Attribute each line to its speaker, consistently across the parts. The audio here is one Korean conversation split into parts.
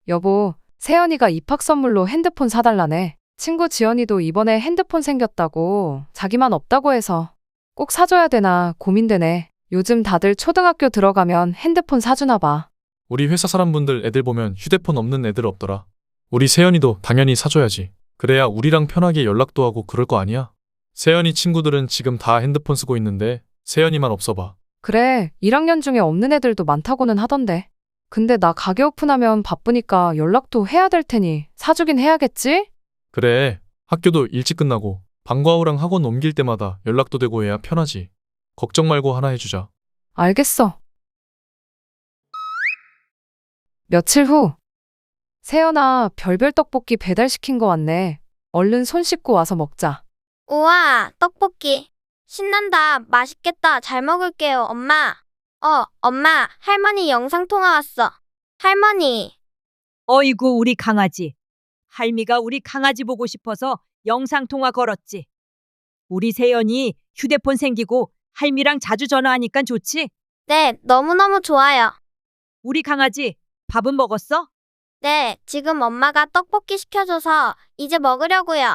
Speaker 1: 여보, 세연이가 입학 선물로 핸드폰 사달라네. 친구 지연이도 이번에 핸드폰 생겼다고 자기만 없다고 해서 꼭 사줘야 되나 고민되네. 요즘 다들 초등학교 들어가면 핸드폰 사주나 봐.
Speaker 2: 우리 회사 사람분들 애들 보면 휴대폰 없는 애들 없더라. 우리 세연이도 당연히 사줘야지. 그래야 우리랑 편하게 연락도 하고 그럴 거 아니야? 세연이 친구들은 지금 다 핸드폰 쓰고 있는데 세연이만 없어 봐.
Speaker 1: 그래, 1학년 중에 없는 애들도 많다고는 하던데. 근데 나 가게 오픈하면 바쁘니까 연락도 해야 될 테니 사주긴 해야겠지?
Speaker 2: 그래, 학교도 일찍 끝나고 방과 후랑 학원 옮길 때마다 연락도 되고 해야 편하지. 걱정 말고 하나 해주자.
Speaker 1: 알겠어. 며칠 후, 세연아, 별별 떡볶이 배달시킨 거 왔네. 얼른 손 씻고 와서 먹자.
Speaker 3: 우와, 떡볶이. 신난다. 맛있겠다. 잘 먹을게요, 엄마. 엄마, 할머니 영상통화 왔어. 할머니.
Speaker 4: 어이구, 우리 강아지. 할미가 우리 강아지 보고 싶어서 영상통화 걸었지. 우리 세연이 휴대폰 생기고 할미랑 자주 전화하니까 좋지?
Speaker 3: 네, 너무너무 좋아요.
Speaker 4: 우리 강아지, 밥은 먹었어?
Speaker 3: 네, 지금 엄마가 떡볶이 시켜줘서 이제 먹으려고요.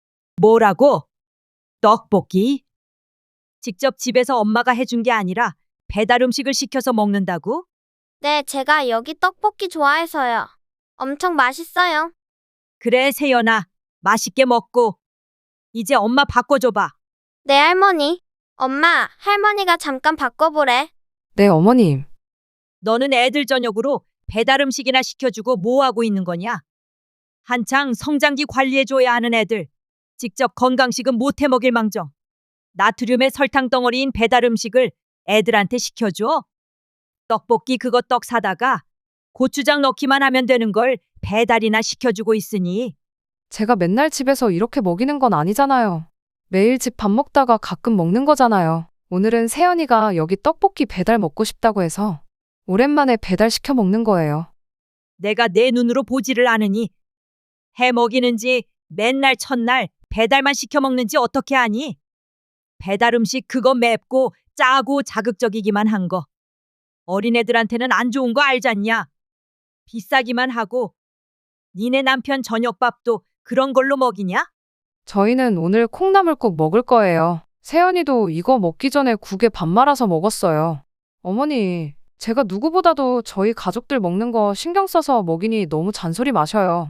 Speaker 4: 뭐라고? 떡볶이? 직접 집에서 엄마가 해준 게 아니라 배달 음식을 시켜서 먹는다고?
Speaker 3: 네, 제가 여기 떡볶이 좋아해서요. 엄청 맛있어요.
Speaker 4: 그래, 세연아. 맛있게 먹고. 이제 엄마 바꿔줘봐.
Speaker 3: 네, 할머니. 엄마, 할머니가 잠깐 바꿔보래.
Speaker 1: 네, 어머님.
Speaker 4: 너는 애들 저녁으로 배달 음식이나 시켜주고 뭐 하고 있는 거냐? 한창 성장기 관리해줘야 하는 애들. 직접 건강식은 못 해먹일 망정. 나트륨의 설탕 덩어리인 배달 음식을 애들한테 시켜줘? 떡볶이 그거 떡 사다가 고추장 넣기만 하면 되는 걸 배달이나 시켜주고 있으니.
Speaker 1: 제가 맨날 집에서 이렇게 먹이는 건 아니잖아요. 매일 집 밥 먹다가 가끔 먹는 거잖아요. 오늘은 세연이가 여기 떡볶이 배달 먹고 싶다고 해서 오랜만에 배달 시켜 먹는 거예요.
Speaker 4: 내가 내 눈으로 보지를 않으니 해 먹이는지 맨날 첫날 배달만 시켜 먹는지 어떻게 아니? 배달 음식 그거 맵고 짜고 자극적이기만 한 거. 어린애들한테는 안 좋은 거 알잖냐? 비싸기만 하고 니네 남편 저녁밥도 그런 걸로 먹이냐?
Speaker 1: 저희는 오늘 콩나물국 먹을 거예요. 세연이도 이거 먹기 전에 국에 밥 말아서 먹었어요. 어머니, 제가 누구보다도 저희 가족들 먹는 거 신경 써서 먹이니 너무 잔소리 마셔요.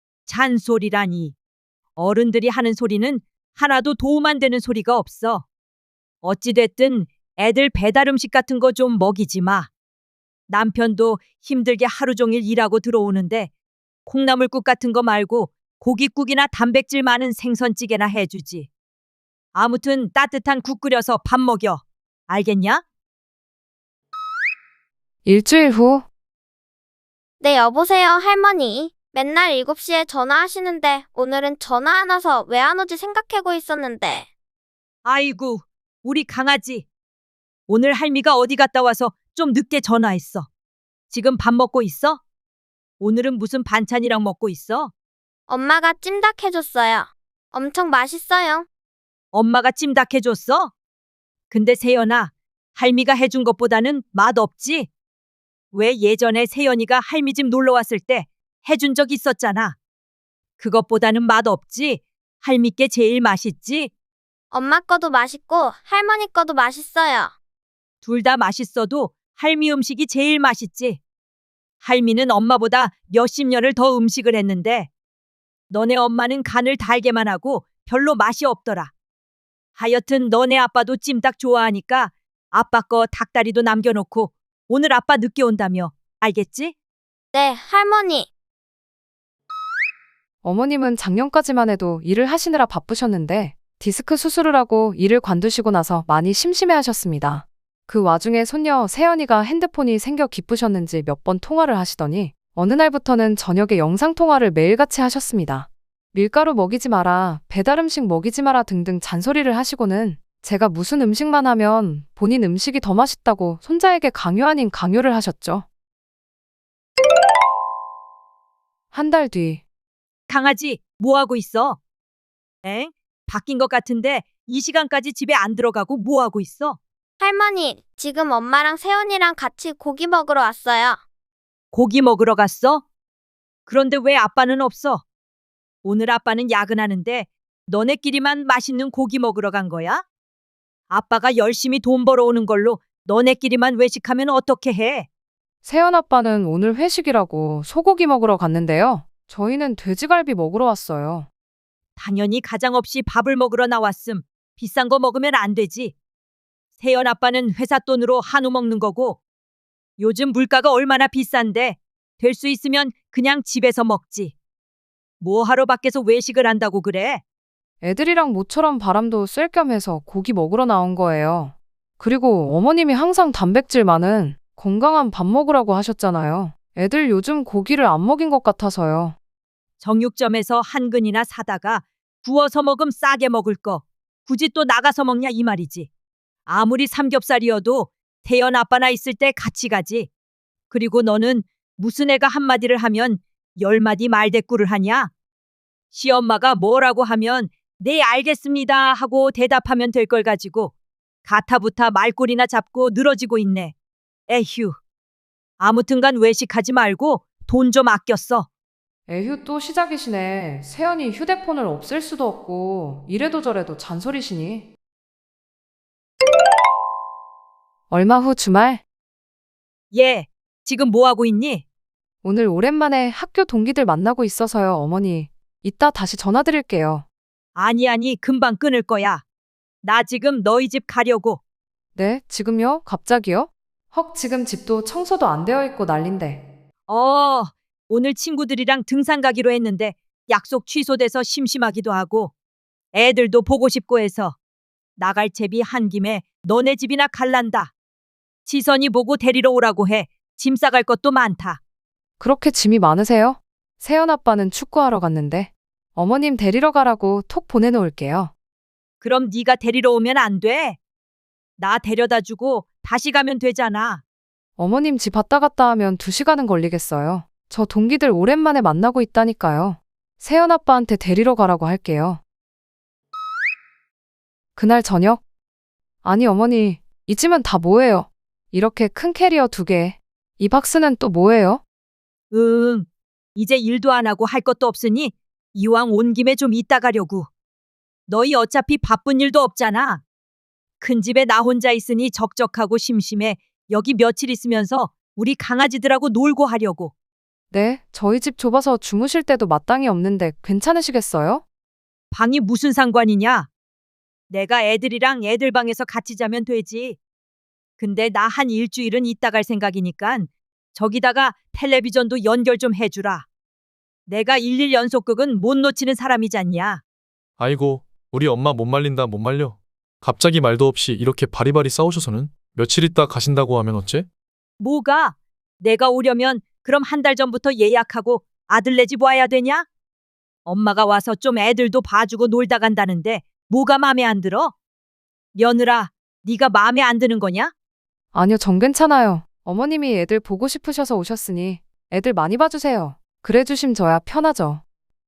Speaker 4: 잔소리라니. 어른들이 하는 소리는 하나도 도움 안 되는 소리가 없어. 어찌됐든 애들 배달 음식 같은 거 좀 먹이지 마. 남편도 힘들게 하루 종일 일하고 들어오는데 콩나물국 같은 거 말고 고깃국이나 단백질 많은 생선찌개나 해주지. 아무튼 따뜻한 국 끓여서 밥 먹여. 알겠냐?
Speaker 1: 일주일 후,
Speaker 3: 네, 여보세요, 할머니. 맨날 7시에 전화하시는데 오늘은 전화 안 와서 왜 안 오지 생각하고 있었는데.
Speaker 4: 아이고, 우리 강아지. 오늘 할미가 어디 갔다 와서 좀 늦게 전화했어. 지금 밥 먹고 있어? 오늘은 무슨 반찬이랑 먹고 있어?
Speaker 3: 엄마가 찜닭 해줬어요. 엄청 맛있어요.
Speaker 4: 엄마가 찜닭 해줬어? 근데 세연아, 할미가 해준 것보다는 맛없지? 왜 예전에 세연이가 할미 집 놀러 왔을 때 해준 적 있었잖아. 그것보다는 맛없지? 할미께 제일 맛있지?
Speaker 3: 엄마 거도 맛있고 할머니 거도 맛있어요.
Speaker 4: 둘 다 맛있어도 할미 음식이 제일 맛있지. 할미는 엄마보다 몇십 년을 더 음식을 했는데 너네 엄마는 간을 달게만 하고 별로 맛이 없더라. 하여튼 너네 아빠도 찜닭 좋아하니까 아빠 거 닭다리도 남겨놓고 오늘 아빠 늦게 온다며. 알겠지?
Speaker 3: 네, 할머니.
Speaker 1: 어머님은 작년까지만 해도 일을 하시느라 바쁘셨는데 디스크 수술을 하고 일을 관두시고 나서 많이 심심해하셨습니다. 그 와중에 손녀 세연이가 핸드폰이 생겨 기쁘셨는지 몇 번 통화를 하시더니 어느 날부터는 저녁에 영상통화를 매일같이 하셨습니다. 밀가루 먹이지 마라, 배달 음식 먹이지 마라 등등 잔소리를 하시고는 제가 무슨 음식만 하면 본인 음식이 더 맛있다고 손자에게 강요 아닌 강요를 하셨죠. 한 달 뒤,
Speaker 4: 강아지, 뭐 하고 있어? 엥? 바뀐 것 같은데 이 시간까지 집에 안 들어가고 뭐 하고 있어?
Speaker 3: 할머니, 지금 엄마랑 세연이랑 같이 고기 먹으러 왔어요.
Speaker 4: 고기 먹으러 갔어? 그런데 왜 아빠는 없어? 오늘 아빠는 야근하는데 너네끼리만 맛있는 고기 먹으러 간 거야? 아빠가 열심히 돈 벌어오는 걸로 너네끼리만 외식하면 어떻게 해?
Speaker 1: 세연 아빠는 오늘 회식이라고 소고기 먹으러 갔는데요. 저희는 돼지갈비 먹으러 왔어요.
Speaker 4: 당연히 가장 없이 밥을 먹으러 나왔음. 비싼 거 먹으면 안 되지. 세연 아빠는 회사 돈으로 한우 먹는 거고 요즘 물가가 얼마나 비싼데 될 수 있으면 그냥 집에서 먹지. 뭐 하러 밖에서 외식을 한다고 그래?
Speaker 1: 애들이랑 모처럼 바람도 쐴 겸 해서 고기 먹으러 나온 거예요. 그리고 어머님이 항상 단백질 많은 건강한 밥 먹으라고 하셨잖아요. 애들 요즘 고기를 안 먹인 것 같아서요.
Speaker 4: 정육점에서 한 근이나 사다가 구워서 먹음 싸게 먹을 거 굳이 또 나가서 먹냐 이 말이지. 아무리 삼겹살이어도 태연 아빠나 있을 때 같이 가지. 그리고 너는 무슨 애가 한마디를 하면 10마디 말대꾸를 하냐? 시엄마가 뭐라고 하면 네 알겠습니다 하고 대답하면 될 걸 가지고 가타부타 말꼬리나 잡고 늘어지고 있네. 에휴. 아무튼간 외식하지 말고 돈 좀 아껴 써.
Speaker 1: 에휴 또 시작이시네. 세연이 휴대폰을 없앨 수도 없고 이래도 저래도 잔소리시니. 얼마 후 주말,
Speaker 4: 얘, 지금 뭐 하고 있니?
Speaker 1: 오늘 오랜만에 학교 동기들 만나고 있어서요, 어머니. 이따 다시 전화드릴게요.
Speaker 4: 아니, 금방 끊을 거야. 나 지금 너희 집 가려고.
Speaker 1: 네, 지금요? 갑자기요? 헉, 지금 집도 청소도 안 되어 있고 난린데.
Speaker 4: 오늘 친구들이랑 등산 가기로 했는데 약속 취소돼서 심심하기도 하고 애들도 보고 싶고 해서 나갈 채비 한 김에 너네 집이나 갈란다. 지선이 보고 데리러 오라고 해. 짐 싸갈 것도 많다.
Speaker 1: 그렇게 짐이 많으세요? 세연 아빠는 축구하러 갔는데 어머님 데리러 가라고 톡 보내놓을게요.
Speaker 4: 그럼 네가 데리러 오면 안 돼? 나 데려다 주고 다시 가면 되잖아.
Speaker 1: 어머님 집 왔다 갔다 하면 2시간은 걸리겠어요. 저 동기들 오랜만에 만나고 있다니까요. 세연 아빠한테 데리러 가라고 할게요. 그날 저녁? 아니 어머니, 이 짐은 다 뭐예요? 이렇게 큰 캐리어 2개. 이 박스는 또 뭐예요?
Speaker 4: 응. 이제 일도 안 하고 할 것도 없으니 이왕 온 김에 좀 이따 가려고. 너희 어차피 바쁜 일도 없잖아. 큰 집에 나 혼자 있으니 적적하고 심심해. 여기 며칠 있으면서 우리 강아지들하고 놀고 하려고.
Speaker 1: 네, 저희 집 좁아서 주무실 때도 마땅히 없는데 괜찮으시겠어요?
Speaker 4: 방이 무슨 상관이냐? 내가 애들이랑 애들 방에서 같이 자면 되지. 근데 나 한 일주일은 있다 갈 생각이니까 저기다가 텔레비전도 연결 좀 해주라. 내가 일일 연속극은 못 놓치는 사람이잖냐.
Speaker 2: 아이고, 우리 엄마 못 말린다 못 말려. 갑자기 말도 없이 이렇게 바리바리 싸우셔서는 며칠 있다 가신다고 하면 어째?
Speaker 4: 뭐가? 내가 오려면 그럼 한 달 전부터 예약하고 아들네 집 와야 되냐? 엄마가 와서 좀 애들도 봐주고 놀다 간다는데 뭐가 마음에 안 들어? 며느라, 네가 마음에 안 드는 거냐?
Speaker 1: 아니요, 전 괜찮아요. 어머님이 애들 보고 싶으셔서 오셨으니 애들 많이 봐주세요. 그래 주심 저야 편하죠.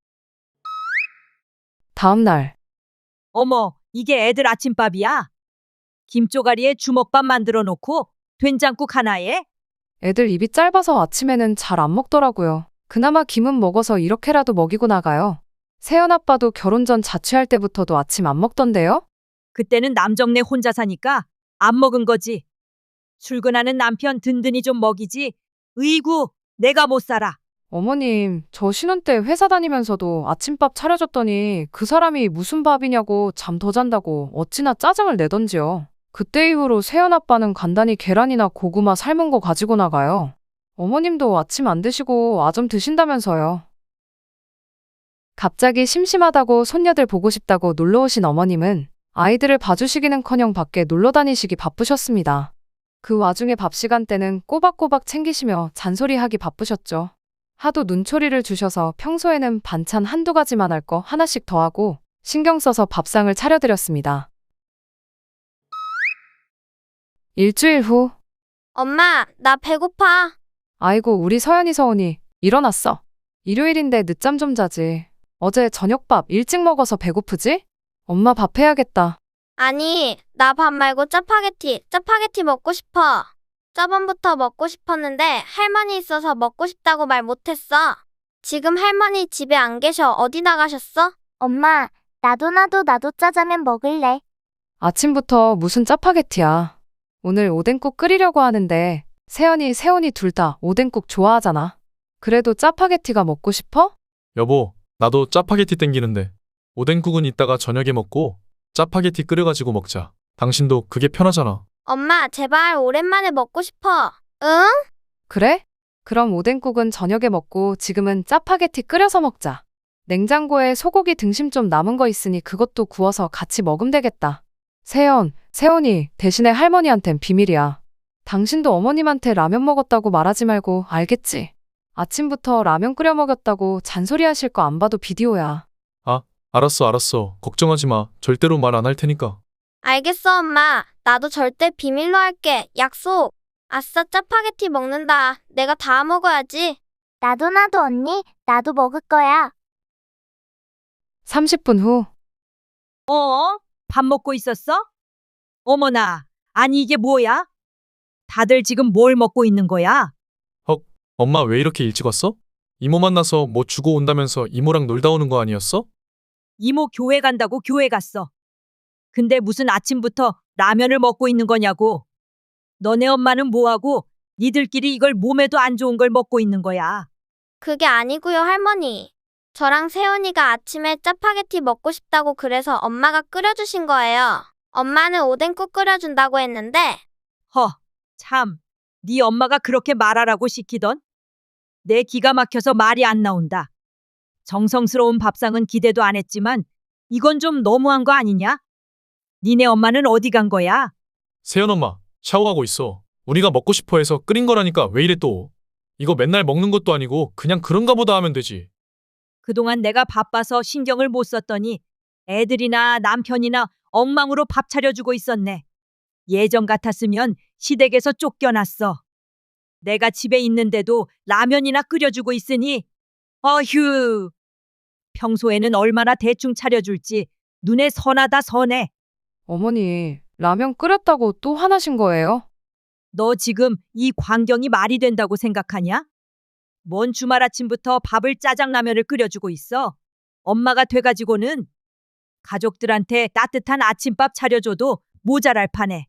Speaker 1: 다음 날,
Speaker 4: 어머, 이게 애들 아침밥이야? 김조가리에 주먹밥 만들어 놓고 된장국 하나에?
Speaker 1: 애들 입이 짧아서 아침에는 잘 안 먹더라고요. 그나마 김은 먹어서 이렇게라도 먹이고 나가요. 세연 아빠도 결혼 전 자취할 때부터도 아침 안 먹던데요?
Speaker 4: 그때는 남정네 혼자 사니까 안 먹은 거지. 출근하는 남편 든든히 좀 먹이지. 으이구, 내가 못 살아.
Speaker 1: 어머님, 저 신혼 때 회사 다니면서도 아침밥 차려줬더니 그 사람이 무슨 밥이냐고 잠 더 잔다고 어찌나 짜증을 내던지요. 그때 이후로 세연 아빠는 간단히 계란이나 고구마 삶은 거 가지고 나가요. 어머님도 아침 안 드시고 아점 드신다면서요. 갑자기 심심하다고 손녀들 보고 싶다고 놀러 오신 어머님은 아이들을 봐주시기는커녕 밖에 놀러 다니시기 바쁘셨습니다. 그 와중에 밥 시간 때는 꼬박꼬박 챙기시며 잔소리하기 바쁘셨죠. 하도 눈초리를 주셔서 평소에는 반찬 한두 가지만 할 거 하나씩 더 하고 신경 써서 밥상을 차려드렸습니다. 일주일 후,
Speaker 3: 엄마, 나 배고파.
Speaker 1: 아이고 우리 서연이 서운이 일어났어. 일요일인데 늦잠 좀 자지. 어제 저녁밥 일찍 먹어서 배고프지? 엄마 밥 해야겠다.
Speaker 3: 아니, 나 밥 말고 짜파게티 먹고 싶어. 저번부터 먹고 싶었는데 할머니 있어서 먹고 싶다고 말 못했어. 지금 할머니 집에 안 계셔. 어디 나가셨어?
Speaker 5: 엄마, 나도 짜장면 먹을래.
Speaker 1: 아침부터 무슨 짜파게티야. 오늘 오뎅국 끓이려고 하는데 세연이, 세훈이 둘 다 오뎅국 좋아하잖아. 그래도 짜파게티가 먹고 싶어?
Speaker 2: 여보, 나도 짜파게티 땡기는데. 오뎅국은 이따가 저녁에 먹고 짜파게티 끓여가지고 먹자. 당신도 그게 편하잖아.
Speaker 3: 엄마, 제발 오랜만에 먹고 싶어. 응?
Speaker 1: 그래? 그럼 오뎅국은 저녁에 먹고 지금은 짜파게티 끓여서 먹자. 냉장고에 소고기 등심 좀 남은 거 있으니 그것도 구워서 같이 먹으면 되겠다. 세연, 세훈이 대신에 할머니한텐 비밀이야. 당신도 어머님한테 라면 먹었다고 말하지 말고 알겠지? 아침부터 라면 끓여 먹였다고 잔소리하실 거 안 봐도 비디오야.
Speaker 2: 알았어. 걱정하지 마. 절대로 말 안 할 테니까.
Speaker 3: 알겠어, 엄마. 나도 절대 비밀로 할게. 약속. 아싸, 짜파게티 먹는다. 내가 다 먹어야지.
Speaker 5: 나도 언니, 나도 먹을 거야.
Speaker 1: 30분 후.
Speaker 4: 밥 먹고 있었어? 어머나, 아니 이게 뭐야? 다들 지금 뭘 먹고 있는 거야?
Speaker 2: 엄마 왜 이렇게 일찍 왔어? 이모 만나서 뭐 주고 온다면서 이모랑 놀다 오는 거 아니었어?
Speaker 4: 이모 교회 간다고 교회 갔어. 근데 무슨 아침부터 라면을 먹고 있는 거냐고. 너네 엄마는 뭐하고 니들끼리 이걸 몸에도 안 좋은 걸 먹고 있는 거야.
Speaker 3: 그게 아니고요, 할머니. 저랑 세훈이가 아침에 짜파게티 먹고 싶다고 그래서 엄마가 끓여주신 거예요. 엄마는 오뎅국 끓여준다고 했는데
Speaker 4: 참, 네 엄마가 그렇게 말하라고 시키던? 내 기가 막혀서 말이 안 나온다. 정성스러운 밥상은 기대도 안 했지만 이건 좀 너무한 거 아니냐? 니네 엄마는 어디 간 거야?
Speaker 2: 세연 엄마, 샤워하고 있어. 우리가 먹고 싶어 해서 끓인 거라니까 왜 이래 또. 이거 맨날 먹는 것도 아니고 그냥 그런가 보다 하면 되지.
Speaker 4: 그동안 내가 바빠서 신경을 못 썼더니 애들이나 남편이나 엉망으로 밥 차려주고 있었네. 예전 같았으면 시댁에서 쫓겨났어. 내가 집에 있는데도 라면이나 끓여주고 있으니 어휴. 평소에는 얼마나 대충 차려줄지 눈에 선하다 선해.
Speaker 1: 어머니, 라면 끓였다고 또 화나신 거예요?
Speaker 4: 너 지금 이 광경이 말이 된다고 생각하냐? 뭔 주말 아침부터 밥을 짜장라면을 끓여주고 있어? 엄마가 돼가지고는 가족들한테 따뜻한 아침밥 차려줘도 모자랄 판에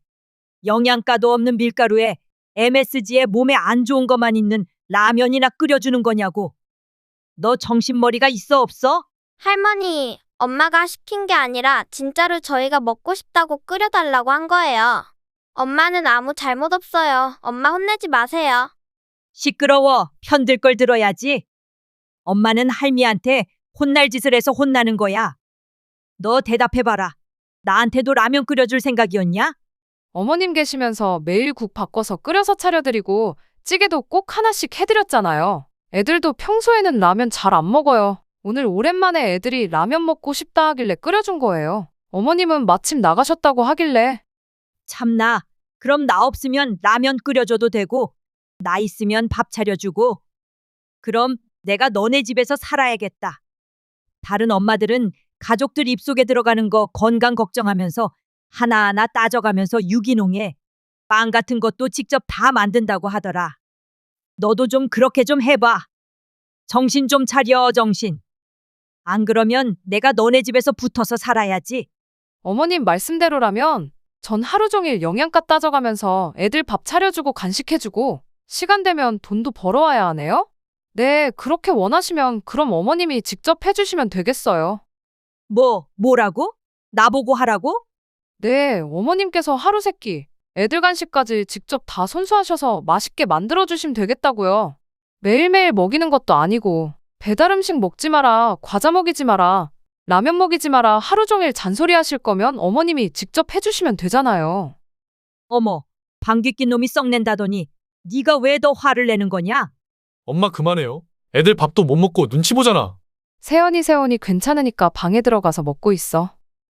Speaker 4: 영양가도 없는 밀가루에 MSG에 몸에 안 좋은 것만 있는 라면이나 끓여주는 거냐고. 너 정신머리가 있어 없어?
Speaker 3: 할머니, 엄마가 시킨 게 아니라 진짜로 저희가 먹고 싶다고 끓여달라고 한 거예요. 엄마는 아무 잘못 없어요. 엄마 혼내지 마세요.
Speaker 4: 시끄러워. 편들 걸 들어야지. 엄마는 할미한테 혼날 짓을 해서 혼나는 거야. 너 대답해봐라. 나한테도 라면 끓여줄 생각이었냐?
Speaker 1: 어머님 계시면서 매일 국 바꿔서 끓여서 차려드리고 찌개도 꼭 하나씩 해드렸잖아요. 애들도 평소에는 라면 잘 안 먹어요. 오늘 오랜만에 애들이 라면 먹고 싶다 하길래 끓여준 거예요. 어머님은 마침 나가셨다고 하길래.
Speaker 4: 참나. 그럼 나 없으면 라면 끓여줘도 되고 나 있으면 밥 차려주고. 그럼 내가 너네 집에서 살아야겠다. 다른 엄마들은 가족들 입속에 들어가는 거 건강 걱정하면서 하나하나 따져가면서 유기농에 빵 같은 것도 직접 다 만든다고 하더라. 너도 좀 그렇게 좀 해봐. 정신 좀 차려, 정신. 안 그러면 내가 너네 집에서 붙어서 살아야지.
Speaker 1: 어머님 말씀대로라면 전 하루 종일 영양가 따져가면서 애들 밥 차려주고 간식해주고 시간 되면 돈도 벌어와야 하네요? 네, 그렇게 원하시면 그럼 어머님이 직접 해주시면 되겠어요.
Speaker 4: 뭐라고? 나보고 하라고?
Speaker 1: 네, 어머님께서 하루 세끼 애들 간식까지 직접 다 손수하셔서 맛있게 만들어주시면 되겠다고요. 매일매일 먹이는 것도 아니고 배달 음식 먹지 마라, 과자 먹이지 마라, 라면 먹이지 마라 하루 종일 잔소리 하실 거면 어머님이 직접 해주시면 되잖아요.
Speaker 4: 어머, 방귀 낀 놈이 썩낸다더니 네가 왜 더 화를 내는 거냐?
Speaker 2: 엄마 그만해요. 애들 밥도 못 먹고 눈치 보잖아.
Speaker 1: 세연이 괜찮으니까 방에 들어가서 먹고 있어.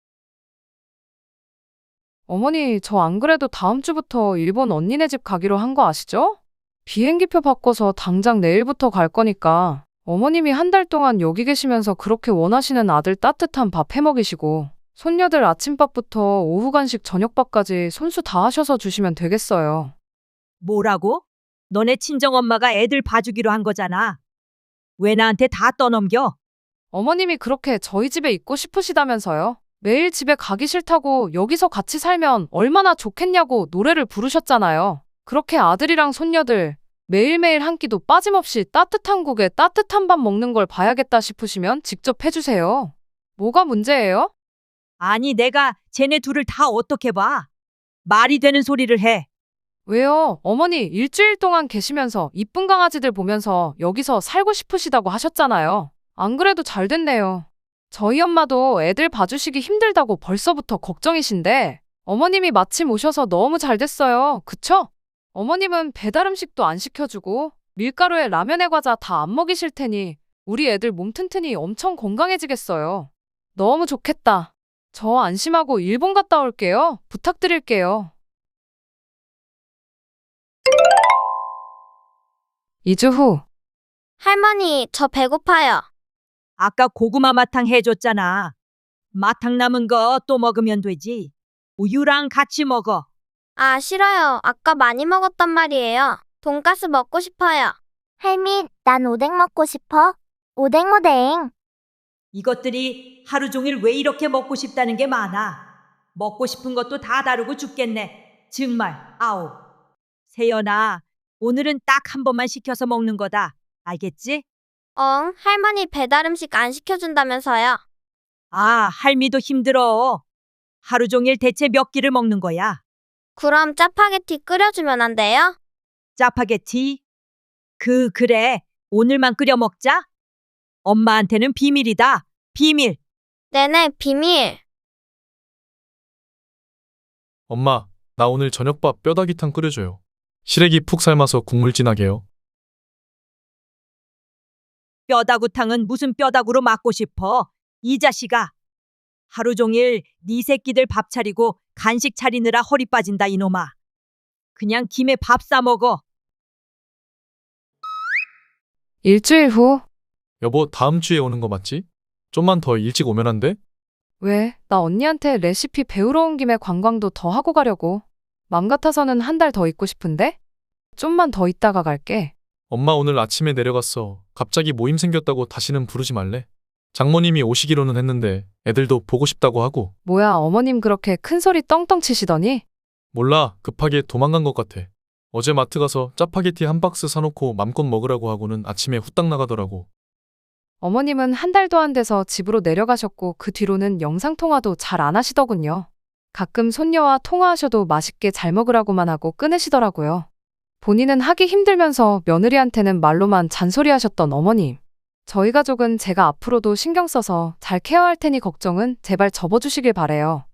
Speaker 1: 어머니, 저 안 그래도 다음 주부터 일본 언니네 집 가기로 한 거 아시죠? 비행기표 바꿔서 당장 내일부터 갈 거니까 어머님이 한 달 동안 여기 계시면서 그렇게 원하시는 아들 따뜻한 밥 해먹이시고 손녀들 아침밥부터 오후 간식 저녁밥까지 손수 다 하셔서 주시면 되겠어요.
Speaker 4: 뭐라고? 너네 친정엄마가 애들 봐주기로 한 거잖아. 왜 나한테 다 떠넘겨?
Speaker 1: 어머님이 그렇게 저희 집에 있고 싶으시다면서요. 매일 집에 가기 싫다고 여기서 같이 살면 얼마나 좋겠냐고 노래를 부르셨잖아요. 그렇게 아들이랑 손녀들 매일매일 한 끼도 빠짐없이 따뜻한 국에 따뜻한 밥 먹는 걸 봐야겠다 싶으시면 직접 해주세요. 뭐가 문제예요?
Speaker 4: 아니, 내가 쟤네 둘을 다 어떻게 봐? 말이 되는 소리를 해.
Speaker 1: 왜요? 어머니 일주일 동안 계시면서 이쁜 강아지들 보면서 여기서 살고 싶으시다고 하셨잖아요. 안 그래도 잘 됐네요. 저희 엄마도 애들 봐주시기 힘들다고 벌써부터 걱정이신데 어머님이 마침 오셔서 너무 잘 됐어요. 그쵸? 어머님은 배달 음식도 안 시켜주고 밀가루에 라면에 과자 다 안 먹이실 테니 우리 애들 몸 튼튼히 엄청 건강해지겠어요. 너무 좋겠다. 저 안심하고 일본 갔다 올게요. 부탁드릴게요. 2주 후.
Speaker 3: 할머니, 저 배고파요.
Speaker 4: 아까 고구마 마탕 해줬잖아. 마탕 남은 거 또 먹으면 되지. 우유랑 같이 먹어.
Speaker 3: 아, 싫어요. 아까 많이 먹었단 말이에요. 돈가스 먹고 싶어요.
Speaker 5: 할미, 난 오뎅 먹고 싶어. 오뎅.
Speaker 4: 이것들이 하루 종일 왜 이렇게 먹고 싶다는 게 많아. 먹고 싶은 것도 다 다르고 죽겠네. 정말, 아우. 세연아, 오늘은 딱 한 번만 시켜서 먹는 거다. 알겠지?
Speaker 3: 할머니 배달 음식 안 시켜준다면서요.
Speaker 4: 아, 할미도 힘들어. 하루 종일 대체 몇 끼를 먹는 거야?
Speaker 3: 그럼 짜파게티 끓여주면 안 돼요?
Speaker 4: 짜파게티? 그래. 오늘만 끓여 먹자. 엄마한테는 비밀이다. 비밀.
Speaker 3: 네네, 비밀.
Speaker 2: 엄마, 나 오늘 저녁밥 뼈다귀탕 끓여줘요. 시래기 푹 삶아서 국물 진하게요.
Speaker 4: 뼈다구탕은 무슨 뼈다구로 맞고 싶어? 이 자식아. 하루 종일 네 새끼들 밥 차리고 간식 차리느라 허리 빠진다 이놈아. 그냥 김에 밥 싸 먹어.
Speaker 1: 일주일 후.
Speaker 2: 여보, 다음 주에 오는 거 맞지? 좀만 더 일찍 오면 안 돼?
Speaker 1: 왜? 나 언니한테 레시피 배우러 온 김에 관광도 더 하고 가려고. 맘 같아서는 한 달 더 있고 싶은데? 좀만 더 있다가 갈게.
Speaker 2: 엄마 오늘 아침에 내려갔어. 갑자기 모임 생겼다고 다시는 부르지 말래. 장모님이 오시기로는 했는데 애들도 보고 싶다고 하고.
Speaker 1: 뭐야, 어머님 그렇게 큰 소리 떵떵 치시더니?
Speaker 2: 몰라, 급하게 도망간 것 같아. 어제 마트 가서 짜파게티 한 박스 사놓고 맘껏 먹으라고 하고는 아침에 후딱 나가더라고.
Speaker 1: 어머님은 한 달도 안 돼서 집으로 내려가셨고 그 뒤로는 영상통화도 잘 안 하시더군요. 가끔 손녀와 통화하셔도 맛있게 잘 먹으라고만 하고 끊으시더라고요. 본인은 하기 힘들면서 며느리한테는 말로만 잔소리하셨던 어머님. 저희 가족은 제가 앞으로도 신경 써서 잘 케어할 테니 걱정은 제발 접어주시길 바래요.